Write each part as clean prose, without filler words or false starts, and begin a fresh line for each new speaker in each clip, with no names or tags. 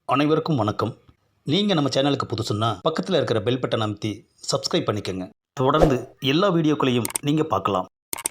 அனைவருக்கும் வணக்கம். நீங்கள் நம்ம சேனலுக்கு புதுசுன்னா பக்கத்தில் இருக்கிற பெல் பட்டனை அமைத்தி சப்ஸ்கிரைப் பண்ணிக்கோங்க. தொடர்ந்து எல்லா வீடியோக்களையும் நீங்கள் பார்க்கலாம்.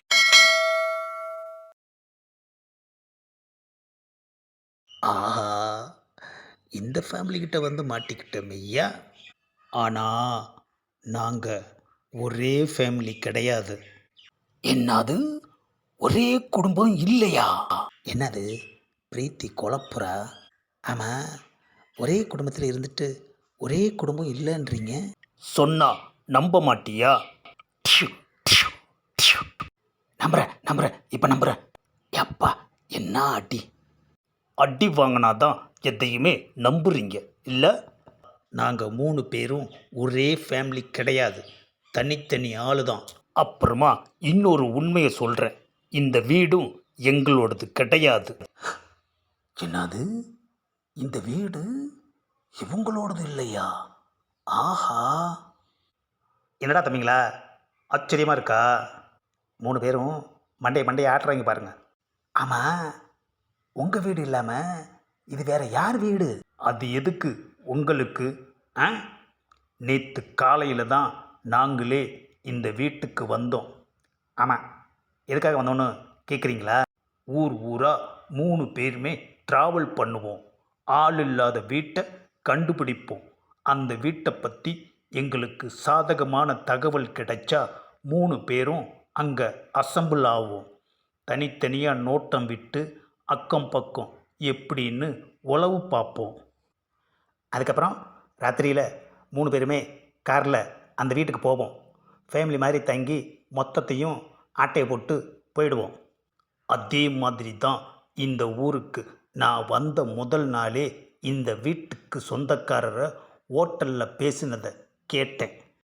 ஆஹா, இந்த ஃபேமிலி கிட்ட வந்து மாட்டிக்கிட்டோம் ஐயா. ஆனால் நாங்கள் ஒரே ஃபேமிலி கிடையாது. என்னது, ஒரே குடும்பம் இல்லையா? என்னது பிரீத்தி குழப்புறா? ஆமாம், ஒரே குடும்பத்தில் இருந்துட்டு ஒரே குடும்பம் இல்லைன்றீங்க. சொன்னா நம்ப மாட்டியா? டியூ, டியூ, டியூ. நம்புறேன் இப்போ நம்புறேன். எப்பா, என்ன அடி! அடி வாங்கினாதான் எதையுமே நம்புறீங்க இல்லை? நாங்கள் 3 பேரும் ஒரே ஃபேமிலி கிடையாது, தனித்தனி ஆளு தான். அப்புறமா இன்னொரு உண்மையை சொல்கிறேன், இந்த வீடும் எங்களோடது கிடையாது. என்னது, இந்த வீடு இவங்களோடது இல்லையா? ஆஹா! என்னடா தம்பிங்களா, ஆச்சரியமாக இருக்கா? 3 பேரும் மண்டையை ஆட்டுறாங்க பாருங்க. ஆமாம், உங்கள் வீடு இல்லாமல் இது வேற யார் வீடு? அது எதுக்கு உங்களுக்கு? ஆ, நேற்று காலையில் தான் நாங்களே இந்த வீட்டுக்கு வந்தோம். ஆமாம், எதுக்காக வந்தோன்னு கேட்குறீங்களா? ஊராக 3 பேருமே ட்ராவல் பண்ணுவோம், ஆள் இல்லாத வீட்டை கண்டுபிடிப்போம். அந்த வீட்டை பற்றி எங்களுக்கு சாதகமான தகவல் கிடைச்சா 3 பேரும் அங்கே அசம்பிள் ஆகும். தனித்தனியாக நோட்டம் விட்டு அக்கம் பக்கம் எப்படின்னு உளவு பார்ப்போம். அதுக்கப்புறம் ராத்திரியில் 3 பேருமே காரில் அந்த வீட்டுக்கு போவோம். ஃபேமிலி மாதிரி தங்கி மொத்தத்தையும் ஆட்டையை போட்டு போயிடுவோம். அதே மாதிரி தான் இந்த ஊருக்கு நான் வந்த முதல் நாளே இந்த வீட்டுக்கு சொந்தக்காரரை ஹோட்டலில் பேசினதை கேட்டேன்.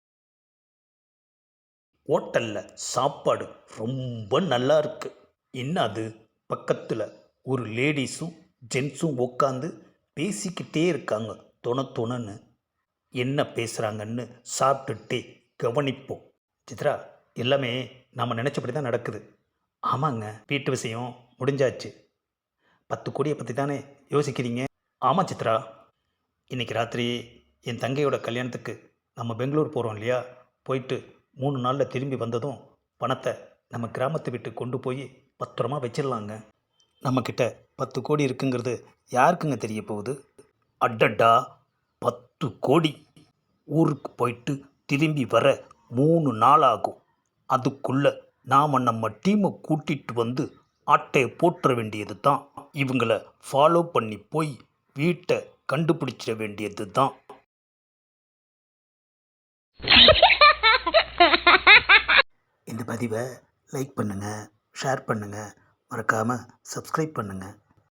ஹோட்டலில் சாப்பாடு ரொம்ப நல்லா இருக்கு. என்ன அது, பக்கத்தில் ஒரு லேடிஸும் ஜென்ஸும் உட்காந்து பேசிக்கிட்டே இருக்காங்க தொணன்னு. என்ன பேசுகிறாங்கன்னு சாப்பிட்டுட்டே கவனிப்போம். சித்ரா, எல்லாமே நாம் நினச்சபடி தான் நடக்குது. ஆமாங்க, வீட்டு விஷயம் முடிஞ்சாச்சு. 10 கோடியை பற்றி தானே யோசிக்கிறீங்க? ஆமாம் சித்ரா, இன்றைக்கி ராத்திரி என் தங்கையோட கல்யாணத்துக்கு நம்ம பெங்களூர் போகிறோம் இல்லையா? போயிட்டு 3 நாளில் திரும்பி வந்ததும் பணத்தை நம்ம கிராமத்தை விட்டு கொண்டு போய் பத்திரமா வச்சிடலாங்க. நம்மக்கிட்ட 10 கோடி இருக்குங்கிறது யாருக்குங்க தெரிய போகுது? அடடா, 10 கோடி! ஊருக்கு போயிட்டு திரும்பி வர 3 நாள் ஆகும். அதுக்குள்ளே நாம் நம்ம டீமை கூட்டிகிட்டு வந்து ஆட்டையை போட்டுற வேண்டியது தான். இவங்களை ஃபாலோ பண்ணி போய் வீட்டை கண்டுபிடிச்சிட வேண்டியது தான். இந்த பதிவை லைக் பண்ணுங்கள், ஷேர் பண்ணுங்கள், மறக்காமல் சப்ஸ்கிரைப் பண்ணுங்கள்.